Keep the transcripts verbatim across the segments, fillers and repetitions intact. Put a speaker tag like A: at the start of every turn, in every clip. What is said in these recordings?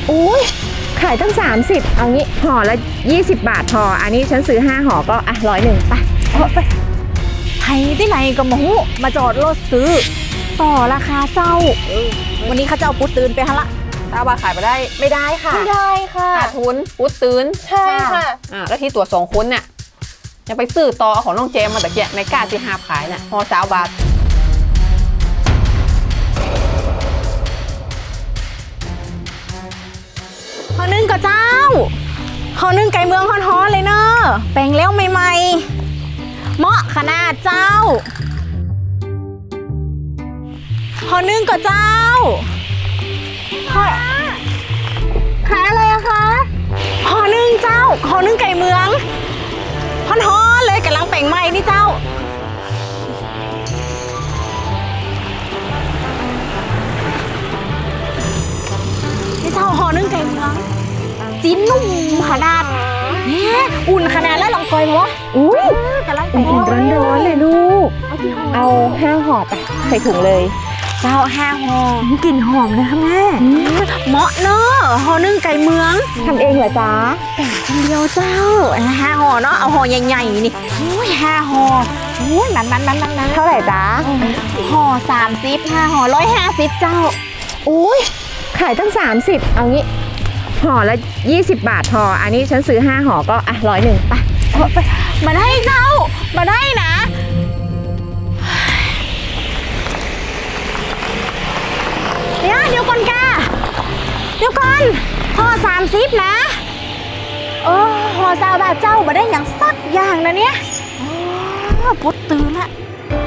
A: อุ้ยขายตั้งสามสิบเอางี้ห่อละยี่สิบบาทพออันนี้ฉันซื้อห้าห่อก็อ่ะร้อยหนึ่งไปเอาไป
B: ไทยที่ไหนก็มาหูมาจอดรถซื้อต่อราคาเจ้าวันนี้ข้าเจ้าปุ๊ดตื่นไปฮะละ
C: ถ้าว่าขายไปได้ไม่ได้ค่ะ
B: ไม่ได้ค่ะ
C: ขาดทุนปุ๊ดตื่น
B: ใช่ค่ะ
C: อ่าแล้วที่ตัวสองคุณเนี่ยยังไปซื้อต่อของน้องเจมมาตะเกียในก้าที่หาขายน่ะห่อสาวบาท
B: ห่อนึ่งกับเจ้าห่อนึ่งไก่เมืองฮ้อนๆเลยเนอะแปลงแล้วใหม่ๆเหมาะขนาดเจ้าห่อนึ่งกับเจ้าห่อขายอะไรอะคะห่อนึ่งเจ้าห่อนึ่งไก่เมืองฮ้อนๆเลยกำลังแปลงใหม่นี่เจ้านี่เจ้าห่อนึ่งไก่เมืองจิ้นนุ่มขนาดเนี่ยอุ่นขนาดแล้วลองกอยมาวะ
A: อุ้ย
B: กำลัง
A: อุ่นๆร้อนๆเลยลูกเอาห้าห่อไปใส่ถุงเลย
B: เจ้าห้าห่อก
A: ลิ่นหอมเลยค่ะแม่
B: เหมาะเนอะห่อนึ่งไก่เมือง
A: ทำเองเหรอจ๊ะ
B: คนเดียวเจ้าห้าห่อเนาะเอาห่อใหญ่ๆนี่โอ้ยห้าห่อโอ้ยนั้นนั้นนั้นนั้น
A: เท่าไหร่จ๊ะ
B: ห่อสามสิบห้าห่อร้อยห้าสิบเจ้า
A: อุ้ยขายตั้งสามสิบเอางี้ห่อละยี่สิบบาทพออันนี้ฉันซื้อห้าห่อก็อ่ะร้อยหนึ่งไปเอาไป
B: มาได้เจ้ามาได้นะเดี๋ยวเดี๋ยวก่อนกาเดี๋ยวก่อนห่อสามสิบนะเออห่อซาบาทเจ้ามาได้อย่างสักอย่างนะเนี่ยอ๋อปุ๊ดตื่นละ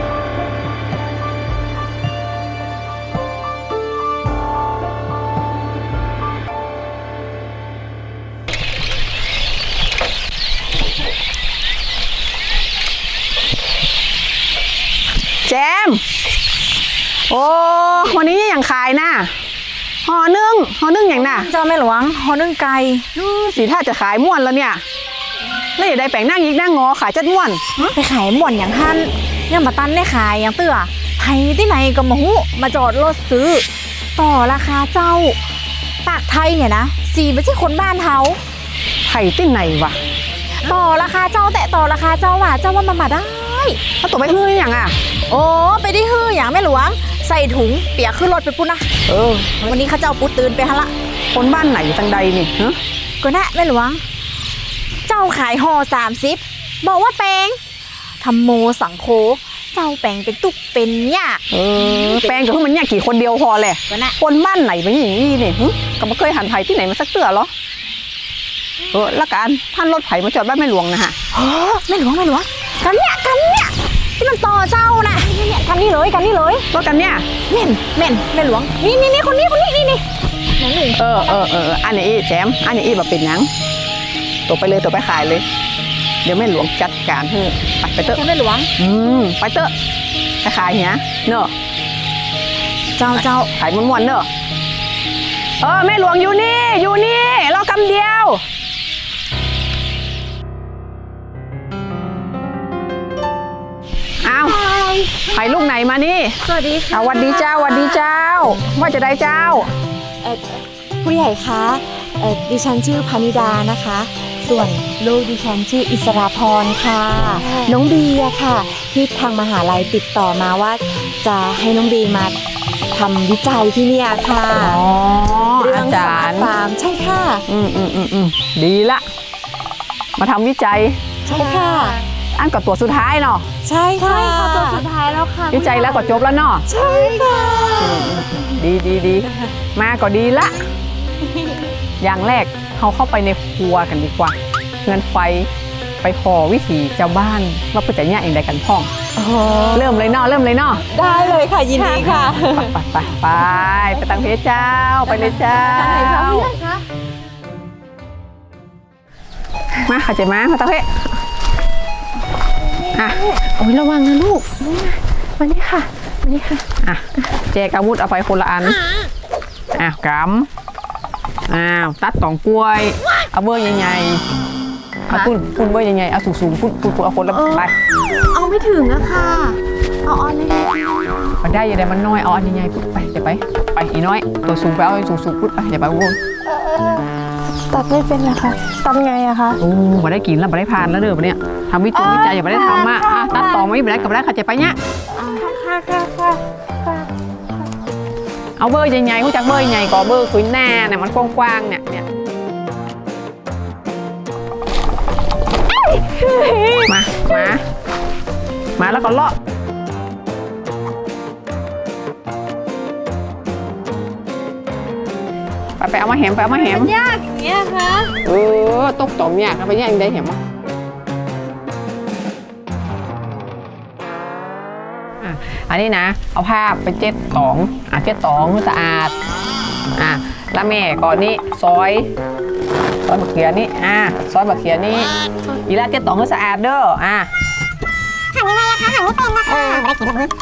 C: แจมโอ้วันนี้อย่างขายนะห่อนึ่งห่อนึ่งอย่างน่ะ
B: เจ้าแม่หลวงห่อนึ่งไก่
C: อื้อสีท่าจะขายม่วนแล้วเนี่ยแล้วอย่าได้แปลงนั่งยิกนั่งงอขายจัดม่วน
B: ไปขายหม่อนอย่างท่านยังมาตันได้ขายอย่างเตื้อไทยที่ไหนก็มาหูมาจอดรถซื้อต่อราคาเจ้าปากไทยเนี่ยนะสีไม่ใช่คนบ้านเขา
C: ไผ่ที่ไหนวะ
B: ต่อราคาเจ้าแต่ต่อราคาเจ้าว่าเจ้าว่ามามาได้
C: ถ้าตัวไปฮื้ออย่างอ่ะ
B: โอ้ไปได้ฮืออย่างแม่หลวงใส่ถุงเปียกขึ้นรถไปปุ๊นะ
C: เออ
B: วันนี้ข้าเจ้าปุ๊ตื่นไปฮะละ
C: คนบ้านไหนอยู่ทางใดนี่ฮะ
B: ก็นะแม่หลวง เจ้าขายห่อสามสิบบอกว่าแปลงทำโมสังโคเจ้าแปลงเป็นตุกเป็นหญ้า
C: เออแปลงกับพวกมันเนี่ยกี่คนเดียวพอแหละ
B: ก็นะ
C: คนบ้านไหนเป็นอย่างนี้นี่หึก็ไม่เคยหันไผ่ที่ไหนมาสักเตื้อหรอเออละกันท่านรถไผ่มาจอดบ้านแม่หลวงนะฮะ
B: โอ้แม่หลวงแม่หลวงกันเนี่ยกันเนี่ยที่มันต่อเจ้านะเนี่ยกันนี่เลยกันนี่เลย
C: รถกันเนี่ย
B: เม่นเม่นแม่หลวงนี่นี่นี่คนนี้คนนี้นี่นี่แม่หลวง
C: เออเออเอออันนี้อีแจมอันนี้อีแบบเป็นหยังตัวไปเลยตัวไปขายเลย เดี๋ยวแม่หลวงจัดการให้ไปไปเตอะ
B: แม่หลวง
C: อืมไปเตอะไปขายเนี้ยเนอะ
B: เจ้าเจ้า
C: ขายม้วนๆเนอะเออแม่หลวงอยู่นี่อยู่นี่รอกำเดียวเอาไผ่ลูกไหนมานี่
B: สวัสดีค่ะ
C: เอาวัดดีเจ้าวัดดีเจ้า ว่าจะได้เจ้า
D: เอ่อผู้ใหญ่คะเอ่อดิฉันชื่อพานิดานะคะ ส่วนลูกดิฉันชื่ออิสราพรค่ะ น้องบีอะค่ะ ที่ทางมหาลัยติดต่อมาว่าจะให้น้องบีมาทำวิจัยที่เนี่ยค่ะ
C: อ๋อ
D: เรื่
C: อาจารย์
D: ฟาร์มใช่ค่ะ
C: อืมอืมอืมอืมดีละ มาทำวิจัย
D: ใช่ค่ะ
C: อันกับตัวสุดท้ายเนาะ
D: ใช่ค่ะ
B: ใช่ค่ะตัวสุดท้ายแล้วค่ะ
C: วิจัยแล้วก็จบแล้วเนาะ
D: ใช่ค่ะ
C: ดีดีดีมาก็ดีละ อย่างแรกเขาเข้าไปในครัวกันดีกว่าเงินไฟไปพอวิถีชาวบ้านว่าเพื่อจะแยกอย่างใดกันพ่อง
D: โอ้โห
C: เริ่มเลยเนาะเริ่มเลยเนาะ
D: ได้เลยค่ะยินดีค่ะ
C: ไปไปไปไปตังเพชรเจ้าไปเลยเจ้ามาขัดใจมามาตังเพชรอ่ะ
A: โอ้ยระวังนะลูกมานี่ค่ะมานี่ค่ะ
C: อ่ะแจกอาวุธเอาไปคนละอันอ่ะกำอ้าวตัดตองกล้วยเอาเบอร์ใหญ่ๆเอาพุ่นพุ่นเบอร์ใหญ่ๆเอาสูงๆพุ่นพุ่นเอาคนละไป
A: เอาไม่ถึงอะค่ะเอาออนเลย
C: มันได้ยังไงมันน้อยเอาอันใหญ่ๆปุ๊บไปจะไปไปอีน้อยตัวสูงไปเอาสูงสูงปุ๊บไปอย่าไปวน
B: ตัดไม่เป็นนะคะตัดไงอะคะ
C: โอ้มาได้กินแล้วมาได้พานแล้วเด้อมาเนี่ยทำวิจัยวิจัยอย่ามาได้ทำอ่ะอ่ะตัดต่อไม่ได้กับได้ขัดใจไปเนี่ย
B: ค่ะค่ะค่ะค่ะ
C: เอาเบอร์ใหญ่ๆเขาจากเบอร์ใหญ่ก่อเบอร์คุยหน้าเนี่ยมันกว้างๆเนี่ยเนี่ยมามามาแล้วก็เลาะไปไปเอามาแหมไปเอามาแหม
B: ยากอย่างเงี้ยคะ
C: เออตกต่อมยากไปยังได้แหมอ่ะอันนี้นะเอาผ้าไปเจ็ดตองอ่ะเจ็ดตองสะอาดอ่ะแล้วแม่ก่อนนี้ซอยซอยบะเขียนี่อ่ะซอยบะเขียนี่อีลาเจ็ดตองให้สะอาดเด้ออ่ะ
E: หั่นยังไงอะคะหั่นไม่เป็นนะคะไม่ได้กินหรอกมั้ง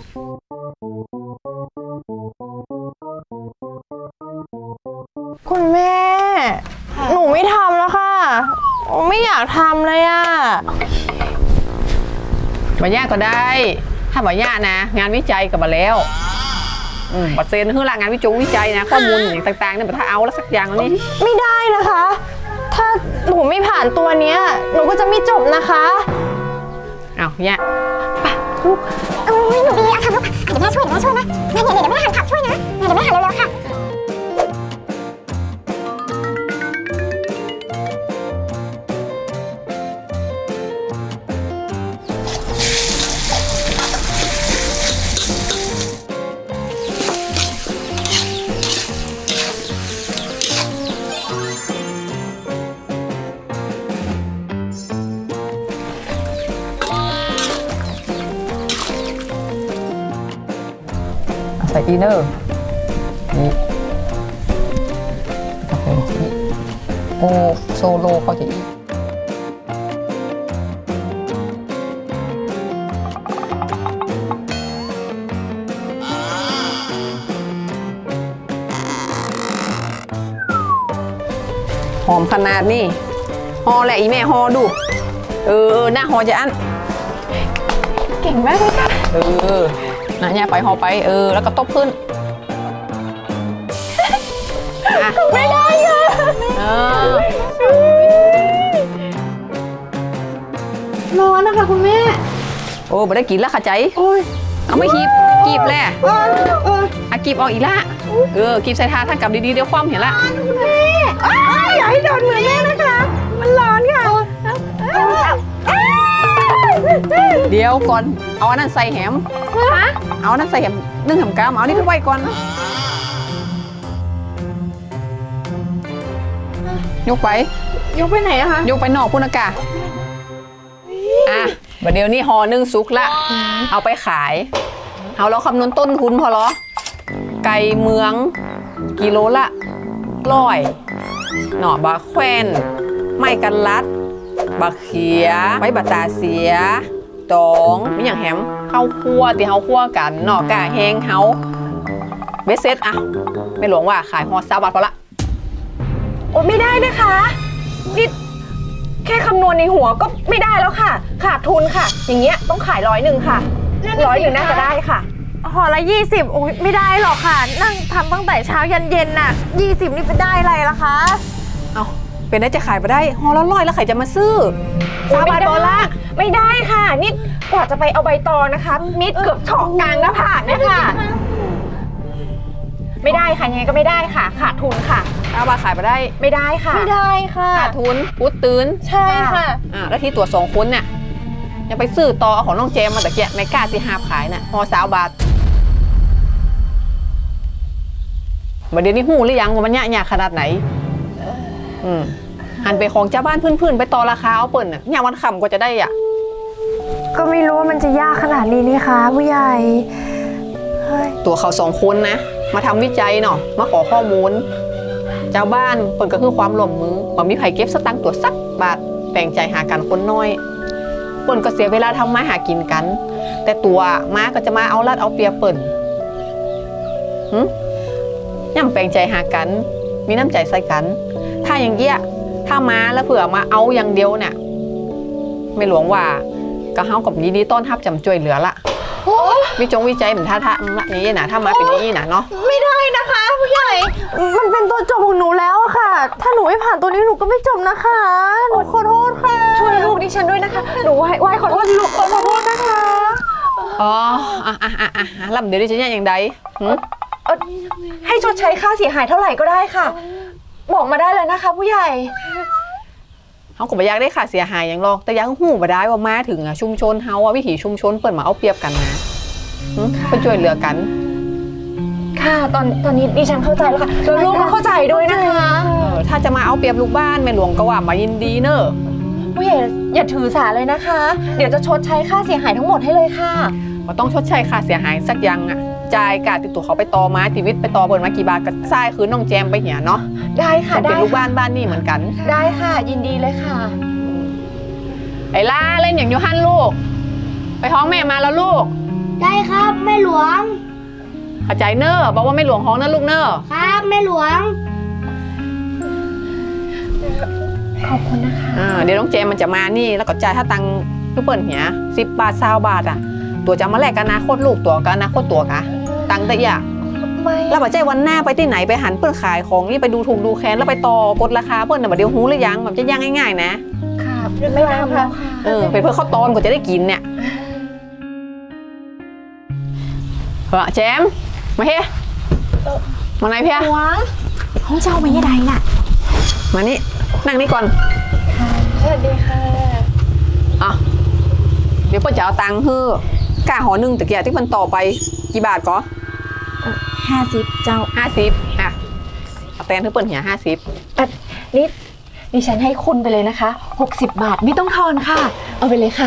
B: คุณแม่ หนูไม่ทำแล้วค่ะ ไม่อยากทำเลยอะ
C: บายากก็ได้ ถ้าบายากนะ งานวิจัยกับมาแล้วอืมบัตรเซ็นคือหลักงานวิจงวิจัยนะ ข้อมูลอย่างต่างๆเนี่ยถ้าเอาแล้วสักอย่างนี้
B: ไม่ได้นะคะ ถ้าหนูไม่ผ่านตัวเนี้ย หนูก็จะไม่จบนะคะ
C: เอาเนี่ย
E: โอ้ยหนูดีอะทำลูกเดี๋ยวแม่ช่วยเดี๋ยวแม่ช่วยนะเนี่ยเดี๋ยวเดี๋ยวแม่หั่นผักช่วยนะเดี๋ยวแม่หั่นเร็วๆค่ะ
C: ใส่อีเนอร์นี่กาแฟนี่โอโซโลเขาจะอีหอมขนาดนี้ฮอแหละอีแม่ฮอดู เออหน้าฮอจะอัน
B: เก่งมากเลยค่ะ
C: เออนะเนี่ยไปหอไป เออ แล้วก็ตบขึ้น
B: ไม่ได้ค่ะ
C: เออ
B: ร้อนนะคะคุณแม่
C: โอ้ไม่ได้กินแล้วค่ะใจ
B: โอ้ย
C: เอาไม่คีบกีบแหละ
B: เออเออ
C: อ่ะกีบออกอีกละ เออ กีบใส่ทาท่านกลับดีๆ เดี๋ยวความเห็นละ
B: คุณแม่อ้าวอย่าให้โดนมือแม่นะคะ มันร้อนค่ะ
C: เดี๋ยวก่อน เอาอันนั้นใส่แหมเอาอันนั้นใส่แหมนึ่งแหมกามเอานี่ขึ้นไว้ก่อนนะยกไป
B: ยกไปไหนอะคะ
C: ยกไปนอกพุ่นอากาศอ่ะบัดเดี๋ยวนี้ห่อนึ่งซุกละ เอาไปขาย เอาเราคำนวณต้นทุนพอเหรอ ไก่เมือง กิโลละร้อยหน่อบะแควนไม้กันลัดบะเขียไม้บะตาเสียตองมีอย่างแหมข้าวคั่วที่เฮาคั่วกันหน่อกะแห้งเฮาเบสเซ็ตอะไม่หลวงว่าขายฮอสามบาทพอละ
B: โอ้ไม่ได้นะคะนี่แค่คำนวณในหัวก็ไม่ได้แล้วค่ะ ขาดทุนค่ะ อย่างเงี้ยต้องขายร้อยหนึ่งค่ะร้อยหนึ่งน่าจะได้ค่ะห่อละยี่สิบโอ้ยไม่ได้หรอกค่ะ นั่งทำตั้งแต่เช้ายันเย็นน่ะยี่สิบนี่เป็นได้อะไรล่ะคะ
C: เอาเป็นได้จะขายไปได้ฮอละร้อยแล้วใครจะมาซื้อ
B: สาบานโบละไม่ได้ค่ะ นี่กว่าจะไปเอาใบตองนะคะ มิดเกือบเฉาะกลางหน้าผากเนี่ยค่ะ ไม่ได้ค่ะยังไงก็ไม่ได้ค่ะ ขาดทุนค่ะ
C: ถ้าว่าขายไปได้
B: ไม่ได้ค่ะ ไม่ได้ค่ะ
C: ขาดทุนพุดตื่น
B: ใช่ค่ะ
C: อ่าแล้วที่ตัวสองคนเนี่ยยังไปซื้อต่อเอาของน้องเจมมาแต่เกี้ยไม่กล้าที่หาบขายน่ะฮอสาวบาทบัดเดี๋ยวนี้หูหรือยังว่ามันยากยากขนาดไหนอืมหันไปของเจ้าบ้านพื้นๆไปต่อราคาเอาเปิ่นน่ะยามวันค่ำกว่าจะได้อ่ะ
B: ก็ไม่รู้ว่ามันจะยากขนาดนี้นี่คะผู้ใหญ่เฮ้ย
C: ตัวเขาสองคนนะมาทำวิจัยเนาะมาขอข้อมูลเจ้าบ้านเปิ่นก็คือความร่วมมือบ่มีไผเก็บสตังค์ตัวสักบาทแบ่งใจหากันคนน้อยเปิ่นก็เสียเวลาทำมาหากินกัน แต่ตัวม้าก็จะมาเอาลัดเอาเปรียบเปิ่นหึย่ำแบ่งใจหากันมีน้ำใจใส่กัน ถ้าอย่างเงี้ยถ้าม้าแล้วเผื่อมาเอาอย่างเดียวเนี่ยไม่หลวงว่าก็เฮากับยินดีต้อนรับจำจ่วยเหลือละวิจงวิจัยเหมือนท่าท่าอย่างนี้นะถ้ามาเป็นอย่างนี้นะเนาะ
B: ไม่ได้นะคะผู้ใหญ่ มันเป็นตัวจบของหนูแล้วอะค่ะ ถ้าหนูไม่ผ่านตัวนี้หนูก็ไม่จบนะคะหนูขอโทษค่ะ ช่วยลูกดิฉันด้วยนะคะ หนูไหว้ไหว้ขอโทษลูกขอโทษนะคะ
C: อ๋ออ่ะอ่ะอ่ะอ่ะลำเดี๋ยวดิฉันเนี่ยอย่างใดหืม
B: เอ่อให้ชดใช้ค่าเสียหายเท่าไหร่ก็ได้ค่ะ บอกมาได้เลยนะคะ ผู้ใหญ่
C: เขาก็บ่อยากได้ค่าเสียหายอย่างหรอกแต่ยังหูบ่ได้ว่ามาถึงอ่ะชุมชนเฮาอ่ะวิถีชุมชนเปิดมาเอาเปรียบกันนะหืมเป็นช่วยเหลือกัน
B: ค่ะตอนตอนนี้ดิฉันเข้าใจแล้วค่ะแล้วลูกก็เข้าใจด้วยนะคะ
C: เออถ้าจะมาเอาเปรียบลูกบ้านแม่หลวงก็ว่ามายินดีเนอะ
B: ผู้ใหญ่อย่าถือสาเลยนะคะ เดี๋ยวจะชดใช้ค่าเสียหายทั้งหมดให้เลยค่ะ
C: ว่าต้องชดใช้ค่าเสียหายสักอยังอ่ะจ่ายกาติดตัวเขาไปต่อมาชีวิตไปต่อเปิดมากี่บาทก็ทรายคือน้องแจมไปเหียเนาะ
B: ได้ค่ะ
C: เป็น
B: ได้
C: ลูก
B: ค่ะ
C: บ้านบ้านนี่เหมือนกัน
B: ได้ค่ะ ยินดีเลยค่ะ
C: ไอ้ล่าเล่นอย่างยูฮันลูก ไปท้องแม่มาแล้วลูก
E: ได้ครับแม่หลวง
C: เข้าใจเนอะบอกว่าไม่หลวงห้องนะลูกเนอะ
E: ครับแม่หลวง
B: ขอบคุณนะคะ
C: อ่าเดี๋ยวน้องเจมมันจะมานี่แล้วก็จ่ายถ้าตังค์ลูกเปิ่นเหียสิบบาทสาวบาทอ่ะ ตัวจะมาแลกกันอนาคตลูกตัวกันอนาคตตัวกะตังค์แต่อย่า
B: ไม่
C: แล้วปัจจัยวันหน้าไปที่ไหนไปหันเปิ้นขายของนี่ไปดูถูกดูแคลนแล้วไปต่อกดราคาเปิ้ลน่ะบัดเดียวหูหรือยังแบบจะย่างง่ายๆนะ
B: ค่ะไม่ทำแล้วค่ะ
C: เออเป็นเพื่อข้าวตอนกว่าจะได้กินเนี่ยเฮ้อแจมมาเฮ้มาไหนเพีย
D: ห้องเจ้าไม่ยังไงน่ะ
C: มานี่นั่งนี่ก่อน
B: สวัสดีค่ะ
C: อ่ะเดี๋ยวเปิ้ลจะเอาตังค์ฮื้อกาหอหนึ่งตะเกียบที่มันต่อไปกี่บาทก็
D: ห้าสิบเจ้า
C: ห้าสิบอ่ะเอาแตนให้เปิ้ลเหียห้าสิบ
B: นี่ดิฉันให้คุณไปเลยนะคะหกสิบบาทไม่ต้องทอนค่ะ เอาไปเลยค่ะ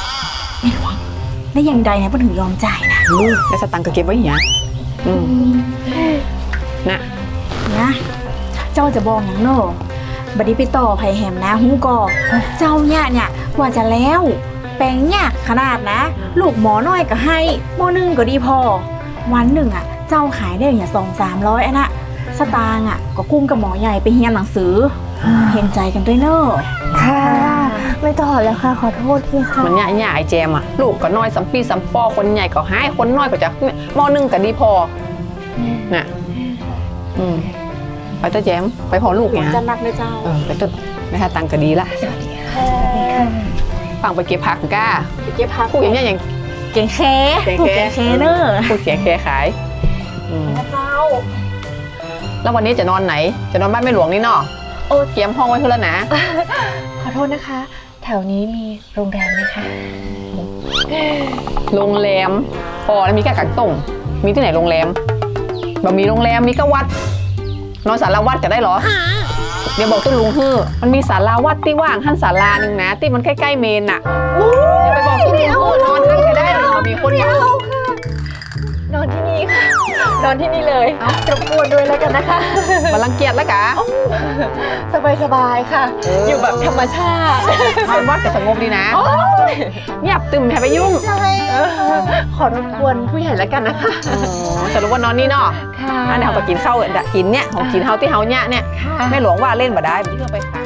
D: ได้ยังใดนะเพื่อนถึงยอมจ่ายนะ
C: อืมได้สตังค์ก็เก็บไว้เหียอืมนะ
D: นะเจ้าจะบอกอย่างโน่บัดนี้ไปต่อไผ่แหมนะฮู้ก่อเจ้าเนี่ยเนี่ยกว่าจะแล้วแปลงเนี่ยขนาดนะ ลูกหมอน้อยก็ให้หมอหนึ่งก็ดีพอ วันหนึ่งอ่ะ เจ้าขายได้อย่างสองสามร้อยอันน่ะสตางค์อ่ะก็กุ้มกับหมอใหญ่ไปเฮียนหนังสือเห็นใจกันด้วยเนอะ
B: ค่ะ ไม่ต้องแล้วค่ะ ขอโทษทีค่ะ
C: มันเนี่ยเนี่ยไอ้แจมอ่ะลูกก็น้อยสัมปีสัมปอคนใหญ่ก็หายคนน้อยก็จะหม้อหนึ่งก็ดีพอน่ะอืมไปเต้าแจมไปพอลูกเนี่ย
D: จะนักเลยเจ้า
C: เออไปเต้าได้ตังค์ก็ดีละฟังไปเก็บผักก้า
D: เก็บพัก
C: พูดอย่างเงี้ยอย่าง
D: เก่งแค่
C: เก่ง
D: ผูก
C: แค่
D: เก่งแค่เนอะ
C: พูดเสียงแค่ขายอืม
D: เจ้า
C: แล้ววันนี้จะนอนไหนจะนอนบ้านแม่หลวงนี่เนาะ
B: โอ้
C: เตรียมห้องไว้เพื่อแล้วนะ
B: ขอโทษนะคะ แถวนี้มีโรงแรมไหมคะ
C: โรงแรมพอแล้วมีแค่กักต้มมีที่ไหนโรงแรมแบบมีโรงแรมมีก็วัด นอนศาลาวัดก็ได้เหรอ เดี๋ยวบอกตุ้ลุงฮือมันมีศาลาวัดที่ว่างหันศาลาหนึ่งนะที่มันใกล้ๆเมนน่ะไปบอกตุ้ลุงฮือนอนหันก็ได้หรอมีคนอยู่
B: นอนที่นี่ค่ะ นอนที่นี่เลยรบกวนด้วยแล้วกันนะคะ
C: มารังเกียจแล้วกะ
B: สบายสบายๆค่ะ อยู่แบบธรรมชาติ
C: นอนวัดก็สงบดีนะเงียบตึมอย่าไปยุ่ง
B: ใช่ขอรบกวนผู้ใหญ่แล้วกันนะคะ
C: อ๋อสรุปว่านอนนี่เนาะ
B: ค่ะ
C: อันนี้เขาก็กินข้าวกินเนี่ยของกินเฮาที่เฮาเนี่ยเนี่ยแม่หลวงว่าเล่นบ่ได้มันเชื่อไปขาย